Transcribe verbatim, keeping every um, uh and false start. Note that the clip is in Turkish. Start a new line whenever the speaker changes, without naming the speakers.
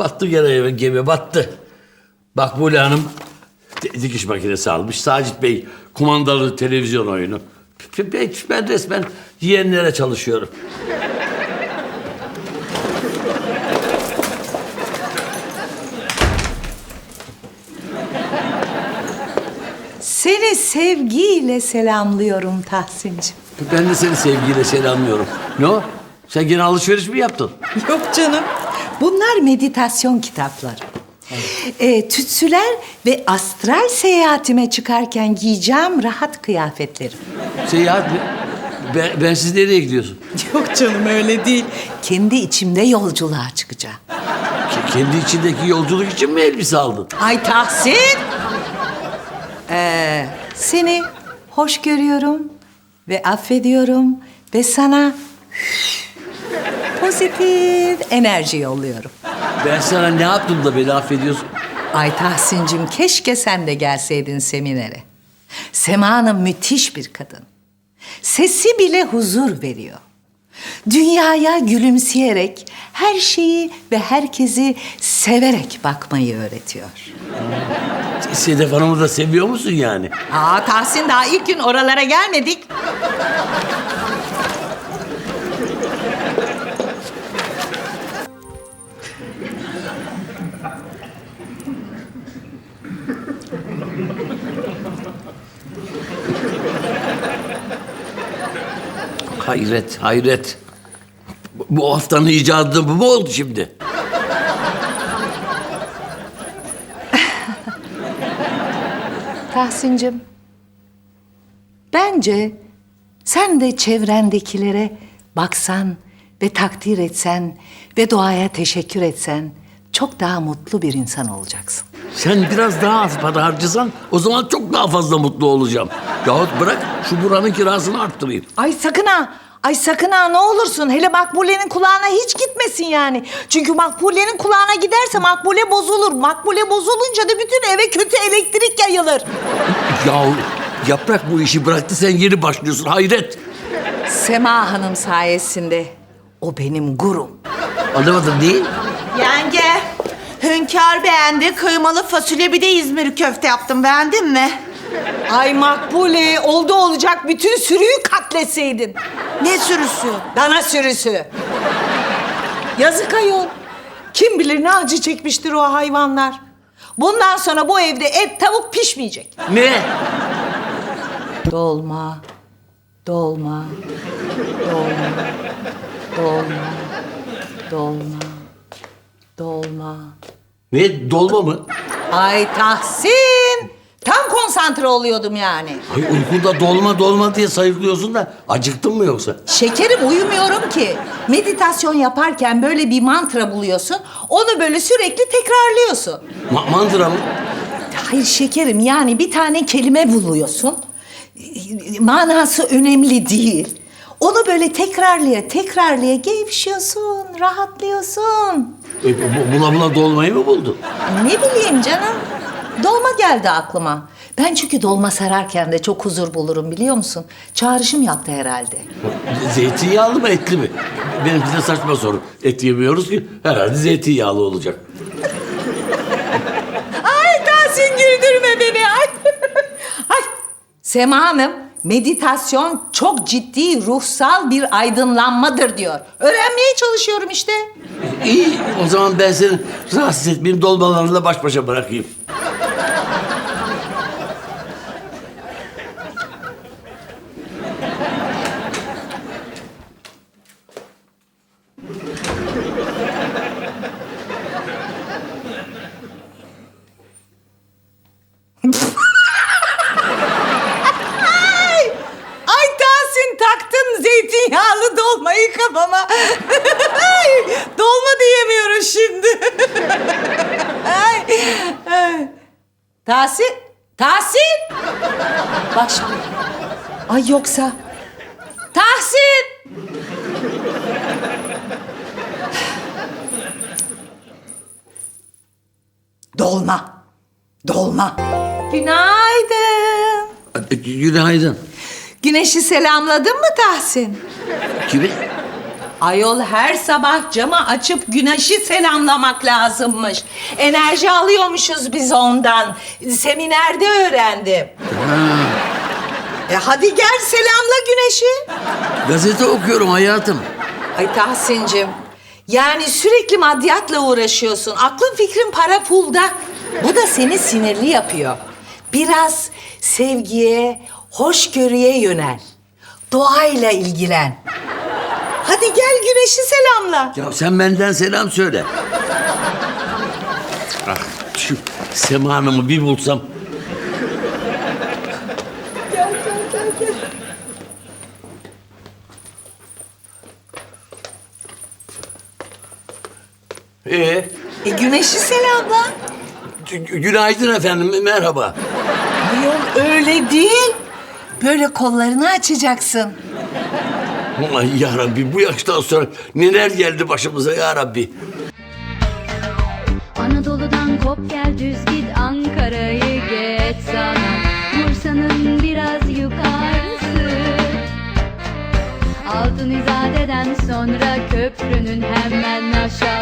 Battı gene gemi battı. Makbule Hanım dikiş makinesi almış. Sacit Bey kumandalı televizyon oyunu. Ben, ben resmen yeğenlere çalışıyorum.
Seni sevgiyle selamlıyorum Tahsin'cim.
Ben de seni sevgiyle selamlıyorum. Ne o? Sen gene alışveriş mi yaptın?
Yok canım. Bunlar meditasyon kitapları. Ee, tütsüler ve astral seyahatime çıkarken giyeceğim rahat kıyafetlerim.
Seyahat mi? Ben, ben siz nereye gidiyorsun?
Yok canım öyle değil. Kendi içimde yolculuğa çıkacağım.
Ke- Kendi içindeki yolculuk için mi elbise aldın?
Ay Tahsin! Ee, seni hoş görüyorum ve affediyorum ve sana pozitif enerji yolluyorum.
Ben sana ne yaptım da beni affediyorsun?
Ay Tahsin'cim keşke sen de gelseydin seminere. Sema Hanım müthiş bir kadın. Sesi bile huzur veriyor. Dünyaya gülümseyerek her şeyi ve herkesi severek bakmayı öğretiyor.
Sedef Hanım'ı da seviyor musun yani?
Aa Tahsin daha ilk gün oralara gelmedik.
Hayret, hayret. Bu- Bu haftanın icadı bu mu oldu şimdi?
Tahsin'cim, bence sen de çevrendekilere baksan ve takdir etsen ve doğaya teşekkür etsen çok daha mutlu bir insan olacaksın.
Sen biraz daha az para harcasan o zaman çok daha fazla mutlu olacağım. Yahut bırak şu buranın kirasını arttırayım.
Ay sakın ha, ay sakın ha ne olursun. Hele Makbule'nin kulağına hiç gitmesin yani. Çünkü Makbule'nin kulağına giderse Makbule bozulur. Makbule bozulunca da bütün eve kötü elektrik yayılır.
Ya Yaprak bu işi bıraktı sen yeni başlıyorsun hayret.
Sema Hanım sayesinde o benim gurum.
Anlamadım değil.
Yenge, Hünkar beğendi. Kıymalı fasulye bir de İzmir köfte yaptım. Beğendin mi?
Ay Makbule oldu olacak bütün sürüyü katletseydin.
Ne sürüsü?
Dana sürüsü. Yazık ayol. Kim bilir ne acı çekmiştir o hayvanlar. Bundan sonra bu evde et tavuk pişmeyecek.
Ne?
Dolma, dolma, dolma, dolma, dolma, dolma.
Ne dolma mı?
Ay Tahsin! Tam konsantre oluyordum yani.
Ay uykunda dolma dolma diye sayıklıyorsun da acıktın mı yoksa?
Şekerim uyumuyorum ki. Meditasyon yaparken böyle bir mantra buluyorsun. Onu böyle sürekli tekrarlıyorsun.
Ma- mandıra mı?
Hayır şekerim yani bir tane kelime buluyorsun. Manası önemli değil. Onu böyle tekrarlaya tekrarlaya gevşiyorsun, rahatlıyorsun.
E, bu- bula bula dolmayı mı buldun?
Ne bileyim canım. Dolma geldi aklıma. Ben çünkü dolma sararken de çok huzur bulurum biliyor musun? Çağrışım yaptı herhalde.
Zeytinyağlı mı etli mi? Benimki de saçma soru. Et yemiyoruz ki herhalde zeytinyağlı olacak.
Ay Tahsin güldürme beni. Ay. Ay. Sema Hanım, meditasyon çok ciddi ruhsal bir aydınlanmadır diyor. Öğrenmeye çalışıyorum işte.
İyi o zaman ben seni rahatsız etmeyeyim dolmalarla baş başa bırakayım.
Ay Tahsin taktın zeytinyağlı dolmayı kafama. Ay, dolma diyemiyoruz şimdi. Ay, ay. Tahsin, Tahsin. Bak şimdi. Ay yoksa. Tahsin. Dolma. Dolma. Günaydın.
Günaydın.
Güneşi selamladın mı Tahsin?
Kimi?
Ayol her sabah camı açıp güneşi selamlamak lazımmış. Enerji alıyormuşuz biz ondan. Seminerde öğrendim. E hadi gel selamla güneşi.
Gazete okuyorum hayatım.
Ay Tahsin'cim, yani sürekli maddiyatla uğraşıyorsun. Aklın fikrin para pulda. Bu da seni sinirli yapıyor. Biraz sevgiye, hoşgörüye yönel. Doğayla ilgilen. Hadi gel güneşi selamla.
Ya sen benden selam söyle. Ah, şu Sema Hanım'ı bir bulsam. Ee,
E güneşi selamla.
gü- günaydın efendim, merhaba.
Ayol öyle değil. Böyle kollarını açacaksın.
Ay ya Rabbi, bu yaştan sonra neler geldi başımıza ya Rabbi.
Anadolu'dan kop gel düz git Ankara'yı geç sana Bursa'nın biraz yukarısı Altın İzade'den sonra köprünün hemen aşağı